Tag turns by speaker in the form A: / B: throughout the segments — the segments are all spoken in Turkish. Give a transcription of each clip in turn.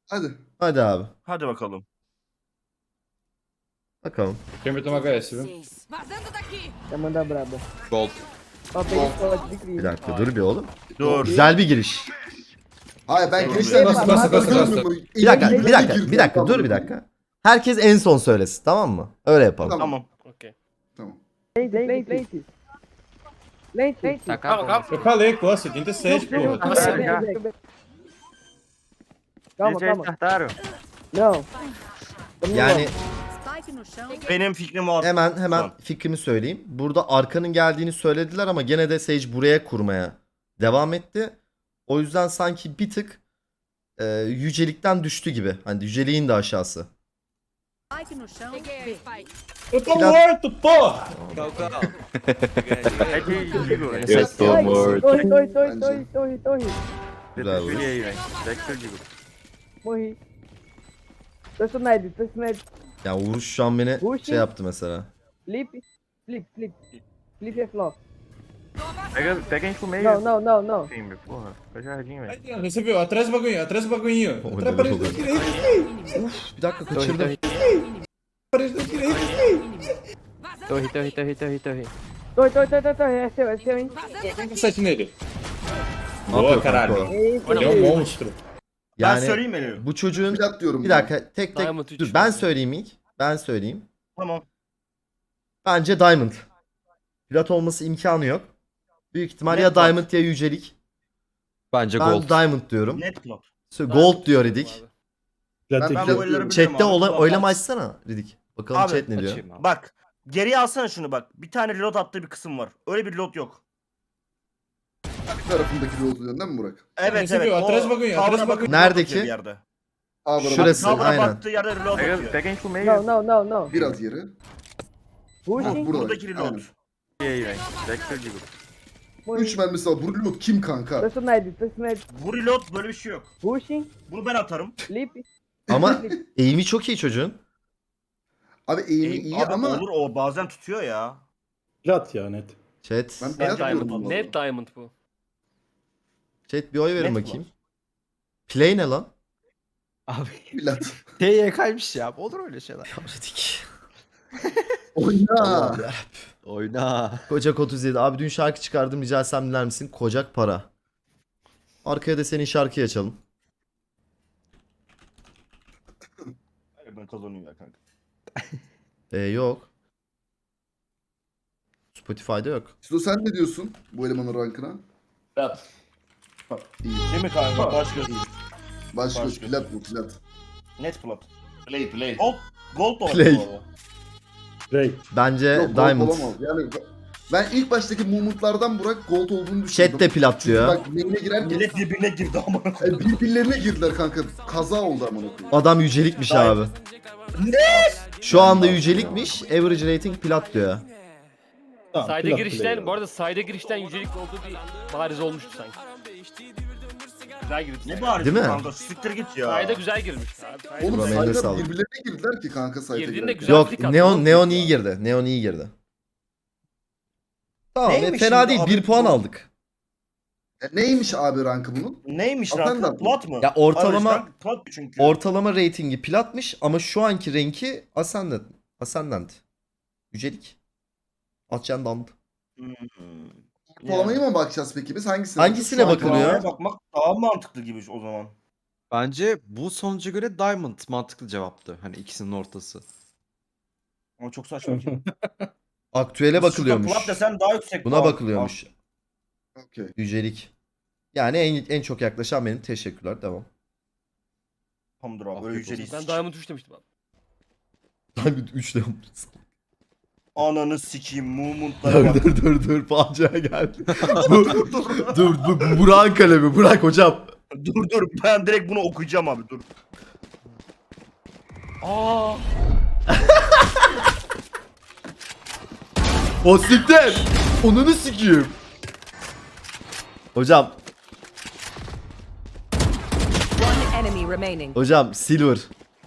A: Hadi.
B: Hadi abi.
C: Hadi bakalım.
B: Bakalım.
D: Câmbio toma HS, viu?
E: Vazando daqui!
F: Já manda braba.
G: Gold.
F: Ó, peguei pode de
B: Bir
F: crise.
B: dakika dur bir oğlum.
C: Dur.
B: Güzel bir giriş.
A: Hayır ben
C: Dur,
A: girişten
F: bas,
D: bas, bas, bas.
B: Bir dakika dur bir dakika. Herkes en son söylesin, tamam mı? Öyle yapalım.
A: Tamam.
C: Tamam.
A: Tamam.
F: Lente. Lente.
G: Tá acabando.
D: Eu falei, pô, 76, porra.
F: Calma, calma. Não.
B: Yani
E: Spike no chão.
C: Benim fikrim o.
B: hemen
C: Tamam.
B: fikrimi söyleyeyim. Burada arkanın geldiğini söylediler ama gene de Sage buraya kurmaya devam etti. O yüzden sanki bir tık yücelikten düştü gibi. Hani yüceliğin de aşağısı.
E: Spike no chão. Peguei aí, Spike.
D: Eu tô morto, porra!
G: Eu tô morto.
F: Torre.
B: Güzel bu.
F: Morri. Tô Sned.
B: Yani Uğur şu an beni
F: Puxa.
B: şey yaptı mesela.
F: Flip é flop.
H: Pega a gente pro meio.
F: Não.
H: Time, porra. Foi jardim, velho.
D: Aí, você viu? Atrás do bagulhinho, atrás do bagulhinho.
B: Olha,
D: Atrás da parede da
B: olha.
D: direita.
B: Bir dakika kaçırdım.
D: Parede da direita.
H: Torre.
F: Torre. É seu, hein?
D: Tem um 7 nele.
B: Ne
D: Boa,
B: yapıyor
D: caralho.
B: kanka o?
D: Ele é um monstro.
C: Ben
B: Yani
C: söyleyeyim mi?
B: bu çocuğun
A: Plat diyorum.
B: bir
A: ben.
B: dakika tek
G: Diamond
B: dur
G: üç
B: ben
G: mü?
B: söyleyeyim ilk. Ben söyleyeyim.
C: Tamam.
B: Bence Diamond. Plat olması imkanı yok. Büyük ihtimal
C: Net
B: ya
C: plat.
B: Diamond ya yücelik.
G: Bence
B: Ben
G: gold.
B: Diamond diyorum.
C: Net plot.
B: Gold diyor Ridik.
D: Já
A: Ben-
D: tem
A: ben
D: que...
A: bu oyları
B: Chat'te
C: Abi,
B: oylama açsana Ridik. Bakalım
C: Abi,
B: chat ne diyor.
G: Açayım abi.
C: Bak. Geriye alsana şunu bak. Bir tane reload attığı bir kısım var. Öyle bir reload yok.
A: Bir tarafındaki yolu diyorsun değil mi Burak?
C: Evet
D: Neyse,
C: evet.
D: bir atrás
C: O
D: bakın ya,
C: tavana
D: atrás
C: bakıp
D: bakın.
C: reload
B: Neredeki?
C: atıyor bir yerde.
A: Abi
B: Şurası.
C: Tavana
B: aynen.
C: baktığı yerde reload atıyor.
H: Pega a gente pro meio.
F: Não.
A: Biraz yeri.
F: Pushing.
A: Burada.
C: Buradaki reload.
A: Aynen.
H: E aí, velho? Pega que eu digo.
A: 3 mermisi var. Bu reload kim kanka?
F: Tô Sned.
C: Bu reload böyle bir şey yok.
F: Pushing.
C: Bunu ben atarım.
F: Flip.
B: Ama eğimi çok iyi çocuğun.
A: Abi eğimi iyi
C: Abi
A: ama
C: olur o bazen tutuyor ya.
D: Plat ya, net.
B: Chat.
A: ben
C: Net
A: plat diyorum.
C: diamond.
A: bu
G: Net
A: arada.
G: diamond bu.
B: Chat bir oy verin
C: Net
B: bakayım. Play ne lan?
G: Abi
A: Plat.
G: TYK'ymış ya. Olur öyle şeyler.
B: Ridik.
A: Oyna.
G: Oyna.
B: Kocak 37. Abi dün şarkı çıkardım rica etsem dinler misin? Kocak para. Arkaya da senin şarkıyı açalım.
C: Ben kazanıyorum ya kanka.
B: Yok. Spotify'da yok.
A: Sizo sen ne diyorsun bu elemanın rankına?
D: Plat.
C: Değil mi kanka? Başka değil.
A: Başka
C: Başka.
A: plat bu plat.
C: Net plot.
D: Play.
C: Gold da olabilir
B: Play.
C: bu arada.
D: Play.
B: Bence
A: Yok, gold
B: Diamond.
A: olamaz. Yani ben ilk baştaki movement'lardan Burak gold olduğunu düşündüm.
B: Chat de plat
A: Çünkü
B: diyor.
A: bak main'e girerken
C: Millet birbirine girdi ama.
A: birbirlerine girdiler kanka. Kaza oldu amına koyayım.
B: Adam yücelikmiş abi.
C: Ne?
B: Şu anda yücelikmiş. Average rating plat diyor.
D: Tamam,
G: Sayda
D: plat
G: girişten,
D: play.
G: bu arada sayda girişten yücelik olduğu bir bariz olmuştu sanki. Güzel girdi.
C: Ne bari
B: Değil mi?
C: kanka? Siktir git ya.
G: Sayda güzel girmiş. Abi, sayda
A: Oğlum
B: Burak, eline
A: sayılar
B: sağlık.
A: birbirlerine girdiler ki kanka sayıda
G: Girdiğinde
A: girerken.
G: güzel
B: Yok
G: flick attı.
B: Neon iyi girdi. Neon iyi girdi. Tamam
C: Neymiş
B: fena
C: şimdi
B: değil.
C: abi
B: 1 puan
C: bu?
B: aldık.
A: Neymiş abi rankı bunun?
C: Neymiş
A: Atan
C: rankı?
A: da-
C: Plat mı?
B: Ya ortalama-
C: Abi, rank plat çünkü.
B: Ortalama ratingi platmış ama şu anki renki Ascendant. Yücelik. Ascendant.
C: Hmm.
A: Ortalamaya mı bakacağız peki biz? Hangisine?
B: Hangisine
A: Şu an-
B: bakılıyor?
C: Ortalamaya bakmak daha mantıklı gibi o zaman.
G: Bence bu sonuca göre Diamond mantıklı cevaptı. Hani ikisinin ortası.
C: Ama çok saçma ki.
B: Aktüele bakılıyormuş.
C: Plat desen daha yüksek.
B: Buna
C: puan.
B: bakılıyormuş.
A: Okey.
B: Yücelik. Yani en çok yaklaşan benim. Teşekkürler. Devam.
C: Tamamdır abi. Böyle yüceliyiz.
G: Ben Diamond 3 demiştim abi.
B: Diamond 3 de
C: Ananı sikeyim. Movement'lara bak.
B: dur. Facia geldi. bu Burak'ın kalemi. Burak hocam.
C: dur. Ben direkt bunu okuyacağım abi. Dur. Aa.
B: O siktir. Onunu sikeyim. Hocam.
E: One enemy remaining.
B: Hocam silver.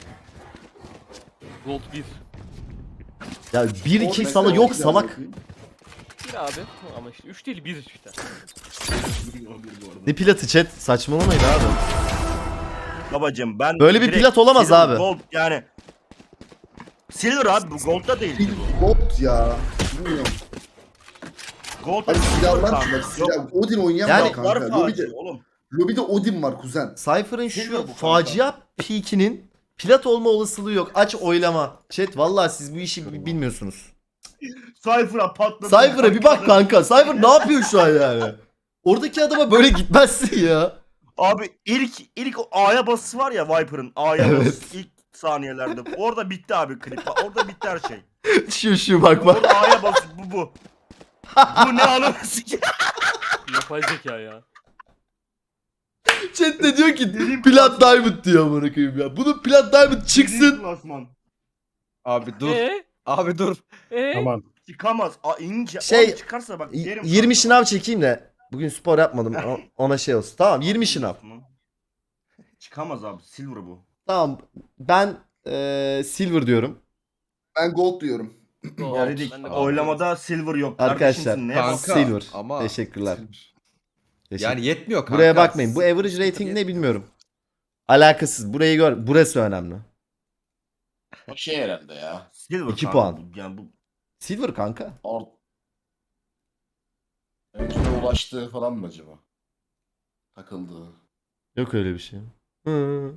G: Gold 1.
B: Ya 1-2
A: Orada
B: salak
A: ne
B: yok
A: kadar
B: salak.
A: bakayım?
G: 1 abi. Ama işte 3 değil 1 işte.
B: Ne platı chat saçmalamayın abi.
C: babacım. Ben
B: Böyle bir
C: direkt
B: plat olamaz
C: silver,
B: abi.
C: Gold yani. Silver abi bu gold da değil.
A: Gold ya. Bilmiyorum.
C: Gold da
A: Abi
C: silver
A: silahlar
C: kanka.
A: şurada. Silah. Odin oynayan
B: Yani-
A: var kanka.
C: Silahlar facia oğlum.
A: Lobide Odin var kuzen.
B: Cypher'ın
C: Silver
B: şu
C: bu kanka.
B: facia peak'inin plat olma olasılığı yok. Aç oylama. Chat vallahi siz bu işi bilmiyorsunuz.
C: Cypher'a patladı.
B: Cypher'a bir bak kanka. Cypher ne yapıyor şu an yani? Oradaki adama böyle gitmezsin ya.
C: Abi ilk o A'ya basısı var ya Viper'ın A'ya
B: Evet.
C: basısı ilk saniyelerde. Orada bitti abi klip. Orada bitti her şey.
B: Şu bak bak.
C: Orada A'ya basısı bu. Bu ne anasını sikeyim.
G: Yapay zeka ya.
B: Chat de diyor ki plat diamond diyor amına koyayım ya. Bunun plat diamond çıksın.
C: Klasman.
I: Abi dur.
G: Ee?
I: Abi dur.
D: Tamam.
C: Çıkamaz. İnce.
B: Şey,
C: Oğlum çıkarsa bak derim.
B: 20
C: kanka.
B: şınav çekeyim de. Bugün spor yapmadım. Ona şey olsun. Tamam 20 şınav.
C: Çıkamaz abi. Silver bu.
B: Tamam ben silver diyorum.
A: Ben gold diyorum.
G: Gold.
C: Ya dedik
G: Ben de
C: oylamada silver yok.
B: Arkadaşlar,
C: Kardeşimsin, ne
I: kanka.
C: bak-
B: Silver.
I: ama-
B: Teşekkürler. Teşekkür-
I: Yani yetmiyor kanka.
B: Buraya bakmayın. Bu average rating ne bilmiyorum. Alakasız. Burayı gör. Burası önemli.
D: O şey herhalde ya.
C: Silver
B: 2
C: kanka
B: puan.
C: bu. Yani bu
B: Silver kanka.
D: Öncüne ulaştığı falan mı acaba? Takıldığı.
B: Yok öyle bir şey. Hı.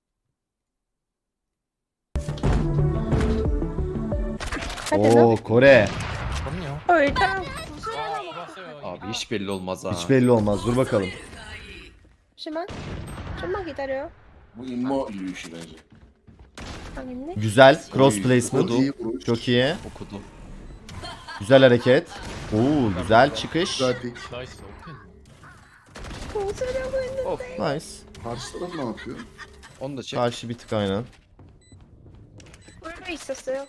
B: Oo Kore.
I: Abi hiç belli olmaz ha.
B: Hiç belli olmaz. Dur bakalım.
E: 좀만 기다려.
D: Bu immo yürüyüşü bence.
E: 당했네.
B: Güzel. Cross
A: Oy,
B: placement.
A: iyi vuruş.
B: Çok iyi.
I: Okudu.
B: Güzel hareket. Oo güzel çıkış.
A: Güzel pick.
B: Nice.
A: Karşı taraf ne yapıyor?
I: Onu da çek.
B: Karşı bir tık aynen.
E: 꿀도 있었어요.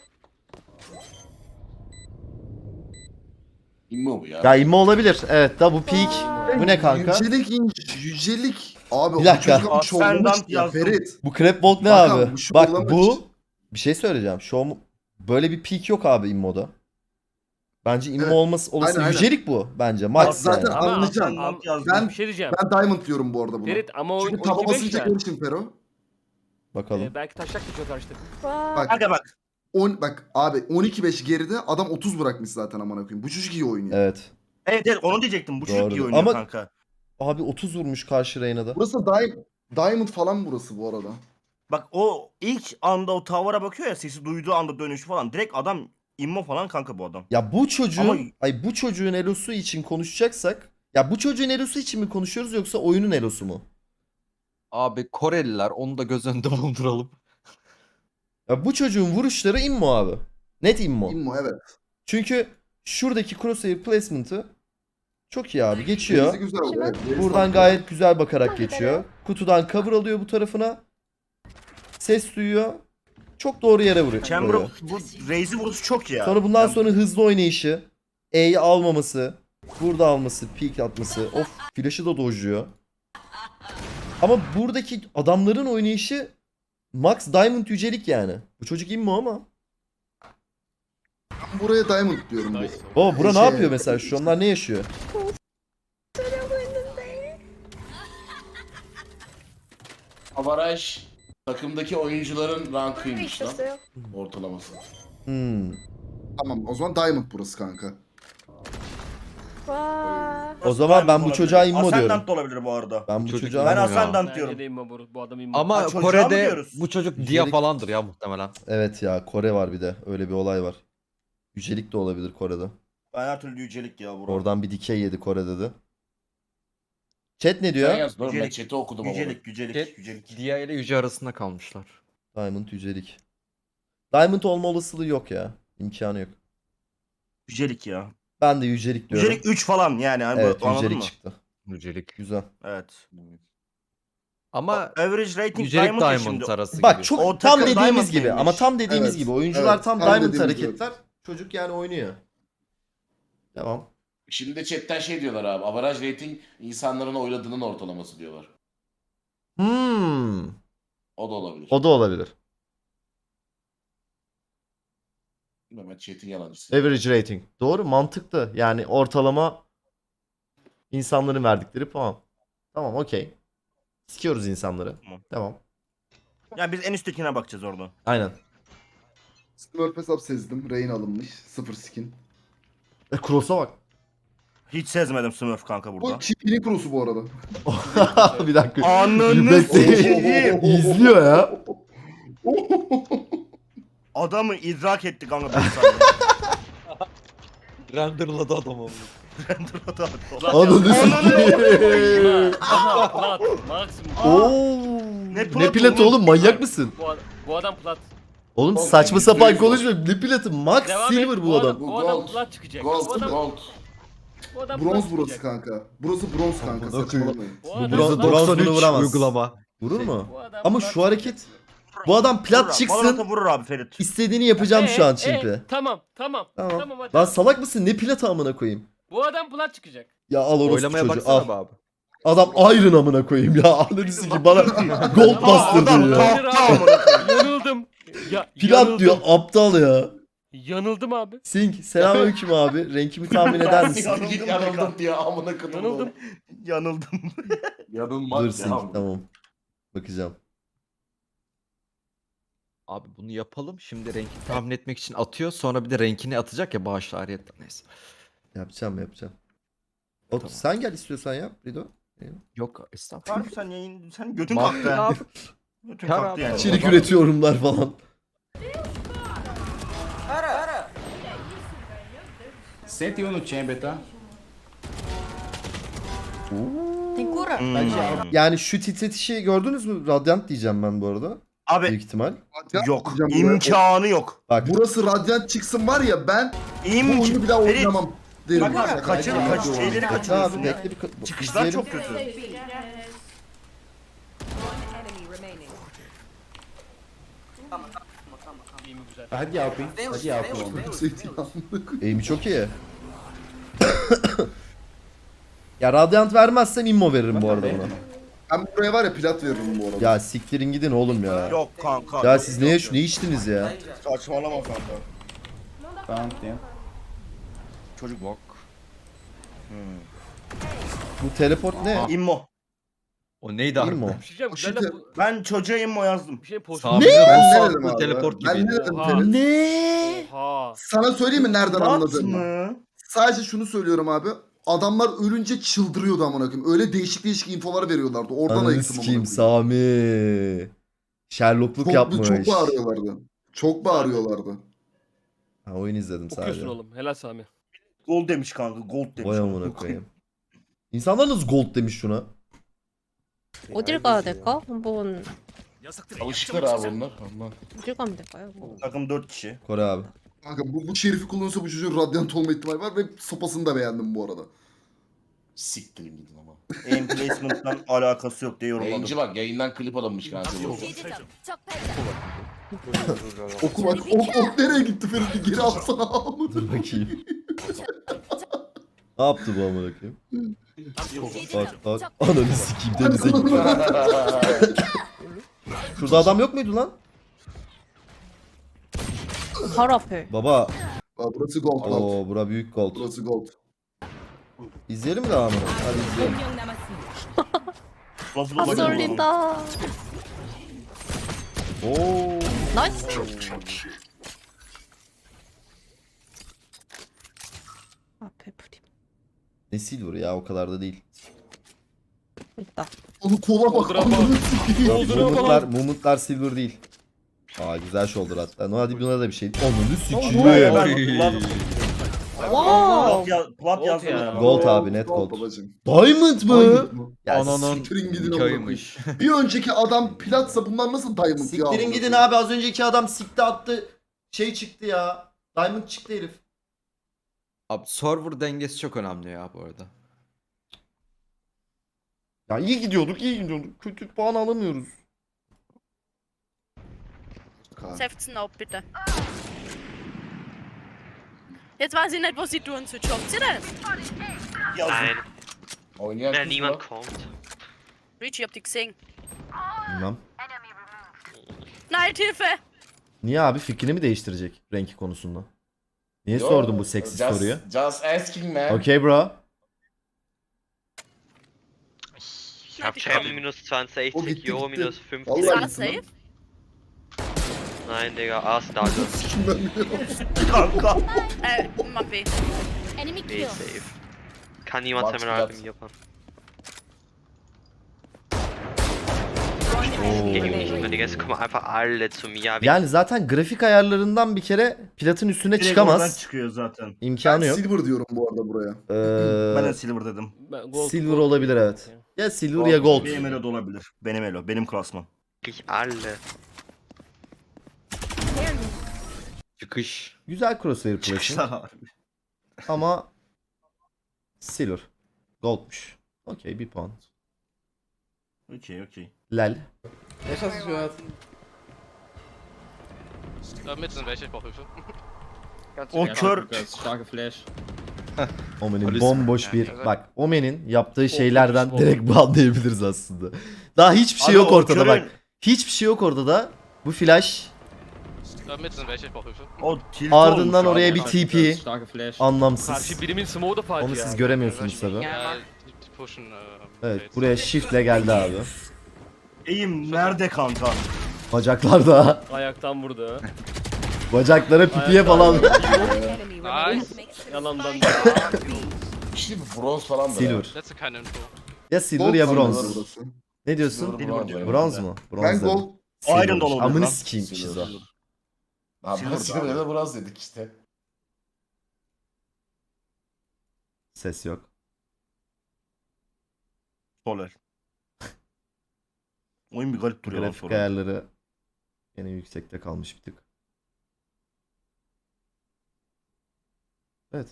D: İmmo bu ya.
B: Ya immo olabilir. Evet da bu peak. Bu ne kanka?
A: Yücelik. Abi
B: Bir dakika.
A: o çocuk ama şovlamış
C: Ascendant
A: ya
C: yazdım.
A: Ferit.
B: Bu crab walk ne
A: Bak
B: abi?
A: abi, şu
B: Bak
A: yollamış.
B: bu bir şey söyleyeceğim. Böyle bir peak yok abi immoda. Bence immo
A: Evet.
B: olması olası
A: Aynen, aynen.
B: yücelik bu bence.
A: Bak
B: Max
A: zaten
B: yani.
G: Ama
A: anlayacaksın.
C: Ascendant yazdım.
A: Ben
G: Bir şey diyeceğim.
A: ben Diamond diyorum bu arada buna.
G: Ferit ama o
A: Çünkü taba
G: 12-5
A: basınca
G: ya.
A: görürsün Fero.
B: Bakalım.
G: Belki taşak geçiyor karşıda.
E: 와.
A: Bak
C: Kanka bak.
A: bak abi 12-5 geride adam 30 bırakmış zaten amına koyayım. Bu çocuk iyi oynuyor.
B: Evet.
C: Evet onu diyecektim. Bu çocuk
B: Doğru.
C: iyi oynuyor
B: Ama-
C: kanka.
B: Abi 30 vurmuş karşı Reyna'da.
A: Burası Diamond falan burası bu arada.
C: Bak o ilk anda o tavara bakıyor ya sesi duyduğu anda dönüşü falan. Direkt adam immo falan kanka bu adam.
B: Ya bu çocuğun
C: Ama-
B: bu çocuğun elosu için konuşacaksak ya bu çocuğun elosu için mi konuşuyoruz yoksa oyunun elosu mu?
I: Abi Koreliler onu da göz önünde bulunduralım.
B: Ya bu çocuğun vuruşları immo abi. Net immo.
A: İmmo evet.
B: Çünkü şuradaki crosshair placement'ı çok iyi abi. Geçiyor.
A: Gerisi güzel oldu. Evet, gerisi
B: Buradan
A: oldu.
B: gayet güzel bakarak geçiyor. Kutudan cover alıyor bu tarafına. Ses duyuyor. Çok doğru yere vuruyor.
C: Chamber bu Raze'i vuruşu çok ya.
B: Sonra bundan
C: Ben-
B: sonra hızlı oynayışı. E'yi almaması. Burada alması. Peek atması. Of flash'ı da dojluyor. Ama buradaki adamların oynayışı Max Diamond yücelik yani. Bu çocuk immo ama.
A: Ben buraya Diamond diyorum.
B: O bura ne
A: Şey-
B: yapıyor mesela? Şu onlar ne yaşıyor?
D: Avaraj takımdaki oyuncuların rankıymış lan.
E: 있었어요.
D: Ortalaması.
B: Hmm.
A: Tamam o zaman Diamond burası kanka.
E: 와.
B: O zaman ben bu
C: Olabilir.
B: çocuğa immo diyorum.
C: Ascendant da olabilir bu arada.
B: Ben bu
I: Çocuk
B: çocuğa
C: Ben
I: immo ya.
C: Ascendant
G: Bence
C: diyorum.
G: de immo bu adam immo.
I: Ama
C: Ha, çocuğa mı
I: Kore'de
C: diyoruz?
I: bu çocuk Dia
B: Yücelik-
I: falandır ya muhtemelen.
B: Evet ya Kore var bir de. Öyle bir olay var. Yücelik de olabilir Kore'de.
C: Ben her türlü yücelik ya bro.
B: Oradan bir dikey yedi Kore'de de. Chat ne
D: Ben
B: diyor?
D: yaz dur ben
C: Yücelik,
D: chat'i okudum ama.
C: yücelik.
I: Dia ile Yüce arasında kalmışlar.
B: Diamond yücelik. Diamond olma olasılığı yok ya. İmkanı yok.
C: Yücelik ya.
B: Ben de yücelik diyorum.
C: Yücelik 3 falan yani. Hani
B: Evet
C: bu, anladın
B: yücelik
C: mı?
B: çıktı.
I: Yücelik.
B: Güzel.
C: Evet.
I: Ama
C: Average rating
I: Yücelik
C: Diamond ya
I: Diamond
C: şimdi.
I: arası
B: Bak
I: gibi.
B: çok
C: O
B: tam
C: takım
B: dediğimiz
C: Diamond
B: gibi
C: neymiş?
B: ama tam dediğimiz
A: Evet,
B: gibi oyuncular
A: evet,
B: tam
A: tam
B: Diamond
A: dediğimiz gibi.
B: hareketler. Çocuk yani oynuyor. Devam.
D: Şimdi de chatten şey diyorlar abi. Avaraj rating insanların oyladığının ortalaması diyorlar.
B: Hmm.
D: O da olabilir.
B: O da olabilir.
D: Bilmiyorum, ben chat'in yalancısı.
B: Average rating. Doğru mantıklı. Yani ortalama insanların verdikleri puan. Tamam okey. Sikiyoruz insanları.
C: Tamam.
B: Tamam.
C: Yani biz en üsttekine bakacağız orada.
B: Aynen.
A: Smurf hesap sezdim. Rain alınmış. 0 skin.
B: Cross'a bak.
C: Hiç sezmedim Smurf kanka burada.
A: Bu çipini kurusu bu arada.
B: Bir dakika.
C: Ananı
B: Bekle.
C: sikeyim.
B: İzliyor ya.
C: Adamı idrak etti kanka 5 saniye.
I: Renderladı adamı.
B: Ananı sikeyim.
G: Aha plat. Maksimum.
B: Oo.
C: Ne
B: Ne
C: platı
B: platı
C: oğlum?
B: oğlum, manyak mısın?
G: Bu adam plat.
B: Oğlum
D: Oğlum,
B: saçma sapan
D: yüzde yüz
B: konuşma. Ne platı? Max
G: Devam
B: Silver
G: et.
B: bu adam.
G: Bu adam
D: Gold.
G: plat çıkacak. Bu
D: Gold,
G: adam,
D: gold.
G: bu adam
A: Bronz
G: plat
A: burası
G: çıkacak.
A: kanka. Burası bronz kanka.
B: Amına
A: Saçmalamayın.
G: Bu
B: Bu
G: adam
B: bronz-
G: plat-
B: bronz bunu vuramaz.
I: uygulama.
B: Vurur mu?
G: Bu adam
B: Ama
G: plat
B: şu hareket... Bu adam
C: Vurur
B: plat
C: abi,
B: çıksın.
C: Valorant'a vurur abi Ferit.
B: İstediğini yapacağım şu an Çimpi.
G: Tamam.
B: Tamam.
G: hadi.
B: Lan salak mısın? Ne platı amına koyayım?
G: Bu adam plat çıkacak.
B: Ya al orospu
I: Oylamaya
B: çocuğu
I: baksana
B: al.
I: be abi.
B: Adam Iron amına koyayım ya. Anladın ki bana gold bastırdın ya.
C: tahta amına koyayım.
G: Yanıldım.
B: Plat
G: yanıldım.
B: diyor aptal ya.
G: Yanıldım abi.
B: Sink selamünaleyküm abi. Renkimi tahmin eder misin?
D: Git yanıldım diye amına kadar.
G: Yanıldım.
C: Yanıldım.
D: Yanılmaz
B: Dur
D: ya.
B: Sink tamam. Bakacağım.
I: Abi bunu yapalım. Şimdi renkini tahmin etmek için atıyor. Sonra bir de renkini atacak ya bağışla ariyetten. Neyse.
B: Yapacağım. Sen gel istiyorsan yap Rido.
I: Yok estağfurullah.
C: Harbi sen yayın, sen götün
I: Bak
C: kalktı
I: ya.
C: ha. Götün
I: Kar
C: kalktı
I: abi.
C: yani.
B: İçerik üretiyorumlar falan.
D: Sente no chamber, tá?
B: Yani şu titretişi gördünüz mü? Radyant diyeceğim ben bu arada. Büyük
C: Abi
B: ihtimal.
C: yok.
A: Hocam buraya-
C: İmkanı yok.
B: Bak
A: Burası radyant çıksın var ya ben bu oyunu bir daha
C: Ferit,
A: oynamam derim.
C: Bak abi şeyleri
B: Bekle
C: kaçırıyorsun
B: abi
C: ya.
B: bekle bir
C: Çıkışlar
B: izleyelim.
C: çok kötü.
G: İyi mi güzel?
D: Hadi Alpin. Hadi Alpin.
A: Sevdiğim amına koyayım.
B: Eğimi çok iyi. Ya Radiant vermezsem immo veririm bu arada buna.
A: Ben buraya var ya plat veririm bu arada.
B: Ya siktirin gidin oğlum ya.
C: Yok kanka.
B: Ya
C: yok,
B: siz
C: yok,
B: ne
C: yok.
B: içtiniz ya?
C: Saçmalama kanka.
D: Tamam, tem.
C: Çocuk
I: Bak.
B: Bu teleport ne?
C: immo.
I: O neydi
B: İmmo.
I: harbiden?
G: Bir şey diyeceğim.
A: Şimdi-
G: Güzel bu.
C: Ben çocuğa immo yazdım.
G: Bir şey post.
I: Sami
A: Ben
I: Rus
A: ne
I: adlı
A: dedim abi?
I: teleport
A: Ben
I: gibi.
A: ne dedim
G: Oha.
A: Ferit?
B: Ne?
G: Oha.
A: Sana söyleyeyim mi nereden
C: Plat
A: anladığımı?
C: mı?
A: Sadece şunu söylüyorum abi. Adamlar ölünce çıldırıyordu amına koyayım. Öyle değişik değişik infolar veriyorlardı. Oradan
B: Ananı
A: ayıktım amına
B: sikeyim
A: koyayım.
B: Sami. Sherlockluk
A: Çok,
B: yapmış.
A: çok bağırıyorlardı. Çok bağırıyorlardı.
B: Ha, oyun izledim
G: Okuyorsun
B: sadece.
G: oğlum. Helal Sami.
C: Gold demiş kanka. Gold demiş.
B: Vay amına koyayım. İnsanlar nasıl gold demiş şuna?
E: 어딜 가야 될까? 한번
D: Alışıklar abi onlar. Ondan.
E: 어딜 가면 될까요? 뭐.
C: Takım 4 kişi.
B: Kore abi.
A: Kanka bu şerifi kullanırsa bu çocuğun radyant olma ihtimali var ve sopasını da beğendim bu arada.
D: Siktirin gidin ama.
C: Aim placement'tan alakası yok diye yorumladım.
D: Yayıncı bak yayından klip alınmış kanka.
A: Oku bak ok nereye gitti Ferit bir geri alsana amına.
B: Dur bakayım. Ne yaptı bu amına koyayım? Bak. Ananı sikeyim denize gitti. Şurada adam yok muydu lan?
E: 바로 앞에.
B: Baba.
A: Aa, burası gold gold.
B: Oo bura büyük gold.
A: Burası gold.
B: İzleyelim mi devamını? Hadi izleyelim.
C: Nasıl
E: 다
C: olacak bu?
E: 쏠린다.
B: Oo.
E: 나이스. 앞에 프림.
B: Ne silver ya o kadar da değil.
E: 있다.
A: Onu kola bak
G: Shoulder'a
A: amına sikeyim.
B: Momentlar silver değil. Aa güzel shoulder hatta. No hadi buna da bir şey. Ananı
C: Ben
B: sikeyim.
C: plat yazdım ya.
B: Gold abi net gold.
A: Babacım.
B: Diamond mı?
A: Diamond mı?
B: Ya
I: Ananın
A: Siktirin gidin amına koyayım.
I: hikayeymiş.
A: Bir önceki adam platsa bunlar nasıl diamond ya?
B: siktirin
A: amına
B: gidin
A: koyayım?
B: abi az önceki adam sikti attı. Şey çıktı ya. Diamond çıktı herif.
I: Abi server dengesi çok önemli ya bu arada.
B: Ya iyi gidiyorduk. Kötü puan alamıyoruz.
J: Heften auf, bitte. Jetzt weiß ich nicht, wo sie tun zu jobben. Sie das?
C: Yazdım.
D: Oynayan kız var.
J: Richie, habt ihr gesehen?
B: Bilmem.
J: Nein, Hilfe!
B: Niye abi fikrini mi değiştirecek renki konusunda? Niye sordun bu seksi soruyu?
D: Just asking man.
B: Okay bro.
J: Ich hab
A: O gitti gitti. Vallahi
J: War
A: gitti
J: safe?
A: lan.
G: Nein, Digga, A Stadion.
A: Sikim ben biliyorum.
C: Kanka.
J: Man B.
E: Enemy
G: B
E: kill.
G: safe. Kann niemand
D: Warte,
G: Terminal
D: warte.
G: bei mir Japan.
B: Oo.
G: Gegen mich, und die Gäste kommen einfach alle zu mir. Ja,
B: Yani zaten grafik ayarlarından bir kere platın üstüne
C: Direkt oradan
B: çıkamaz.
C: çıkıyor zaten.
A: Ben
B: İmkanı yok.
A: silver diyorum bu arada buraya.
C: Ben de silver dedim.
B: Silver olabilir evet. Ya silver ya gold.
C: Benim elo da olabilir. Benim elo. Benim klasman.
G: wirklich alle.
I: Çıkış.
B: Güzel crosshair flash'ın
C: Çıkışlar.
B: ama silver. Goldmuş. Okey, bir puan.
C: Okey okey.
B: Lel.
G: Mit sind welche, ich brauche Hilfe.
C: O kör.
B: Omen'in
I: Polis
B: bomboş
G: mi?
B: bir...
G: Yani.
B: Bak Omen'in yaptığı şeylerden direkt banlayabiliriz aslında. Daha hiçbir şey
C: Abi
B: yok
C: o
B: ortada
C: körün-
B: bak. Hiçbir şey yok ortada. Bu flash
G: Mit sind welche, ich brauche Hilfe.
C: O tilt
B: ardından
C: olmuş
B: oraya
C: abi.
B: bir TP. Anlamsız.
G: Karşı birimin smoke'u da fark
B: Onu
G: ya.
B: siz göremiyorsunuz tabi.
G: Ya, die pushen.
B: Evet, buraya shiftle geldi abi.
C: Eğim nerede kanka?
B: Bacaklarda.
G: Ayaktan vurdu.
B: Bacaklara pipiye falan.
G: Nice. Yalandan.
D: Şimdi bronz falan da.
B: Silver.
G: Letzte keine Info.
B: Ya silver
A: Gold
B: ya
A: sanırım
B: bronz.
A: burası.
B: Ne diyorsun?
C: Silver
D: bronz.
C: diyorum.
B: Bronz mu? Bronz
A: Ben
B: dedim.
A: gold.
B: Silver.
C: Iron da olabilir
B: Amını
C: lan.
B: sikeyim
D: Silver.
B: şizo.
D: Abi
C: Silver
D: silver
C: da
D: ya
C: abi.
D: da bronz dedik işte.
B: Ses yok.
C: Soler. Oyun bir garip duruyor lan
B: Grafik
C: sonra.
B: ayarları yine yüksekte kalmış bir tık. Evet.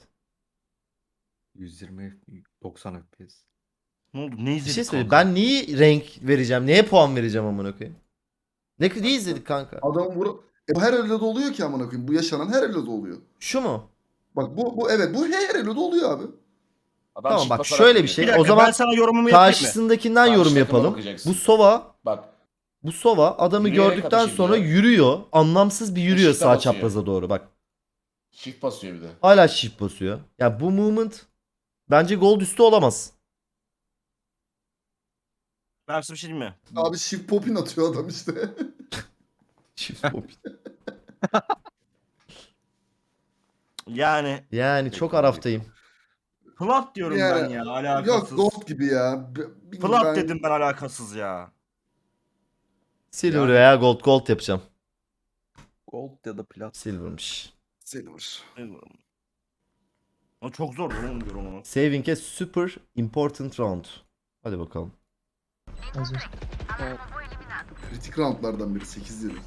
I: 120 90 FPS.
C: Ne oldu? Ne
B: Bir
C: izledik
B: şey söyleyeyim.
C: kanka?
B: Ben neyi renk vereceğim? Neye puan vereceğim amına koyayım? Ne izledik kanka?
A: Adam bu her elde oluyor ki amına koyayım. Bu yaşanan her elde oluyor.
B: Şu mu?
A: Bak bu evet bu her elde oluyor abi.
D: Adam
B: Tamam
D: çift
B: bak
D: basarak
B: şöyle bir
D: veriyor.
B: şey.
C: Bir dakika,
B: O zaman
C: ben sana yorumumu yapayım mı?
B: karşısındakinden
D: Karşı
B: yorum
D: takıma
B: yapalım.
D: bakacaksın.
B: Bu Sova
D: Bak
B: adamı
D: Yürüyerek
B: gördükten
D: ateş
B: sonra
D: ediyor.
B: yürüyor. Anlamsız bir yürüyor
D: Shift'e
B: sağ
D: basıyor.
B: çapraza doğru bak.
D: shift basıyor bir de.
B: Hala shift basıyor. Ya bu movement bence gold üstü olamaz.
C: Ben size bir şey diyeyim mi?
A: Abi shift popin atıyor adam işte.
B: Shift pop.
C: Yani
B: Yani çok araftayım.
C: plat diyorum
A: Yani,
C: ben ya
A: Yok
C: alakasız.
A: gold gibi ya.
C: Plat dedim ben alakasız ya.
B: Silver
C: Yani-
B: veya gold yapacağım.
I: Gold ya da plat.
B: Silver'mış.
A: Silver.
C: O çok zor onu diyorum onu.
B: Saving a super important round. Hadi bakalım.
A: Kritik roundlardan biri 8 yıl.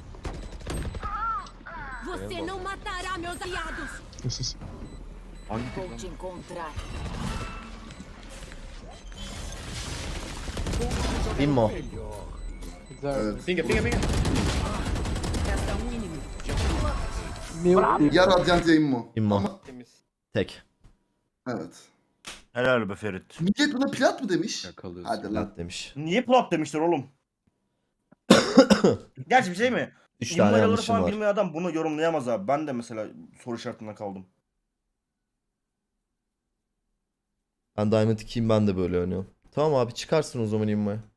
E: Você não matará meus aliados.
I: Hangi
E: Vou te encontrar.
B: Immo.
A: Evet.
E: Resta inimigo.
A: Ya Radiant yayın mı?
B: Immo.
A: Ama
B: Tek.
A: evet.
C: Helal be Ferit.
A: Millet buna plat mı demiş?
I: Yakalıyorsun.
A: Hadi lan.
B: Lat demiş.
C: Niye plat demişler oğlum? Gerçi bir şey mi?
B: 3 tane
C: İmmoları
B: yanlışım
C: falan
B: var.
C: bilmeyen adam bunu yorumlayamaz abi. Ben de mesela soru işaretinde kaldım.
B: Ben Diamond 2'yim, ben de böyle oynuyorum. Tamam abi, çıkarsın o zaman Immo'ya.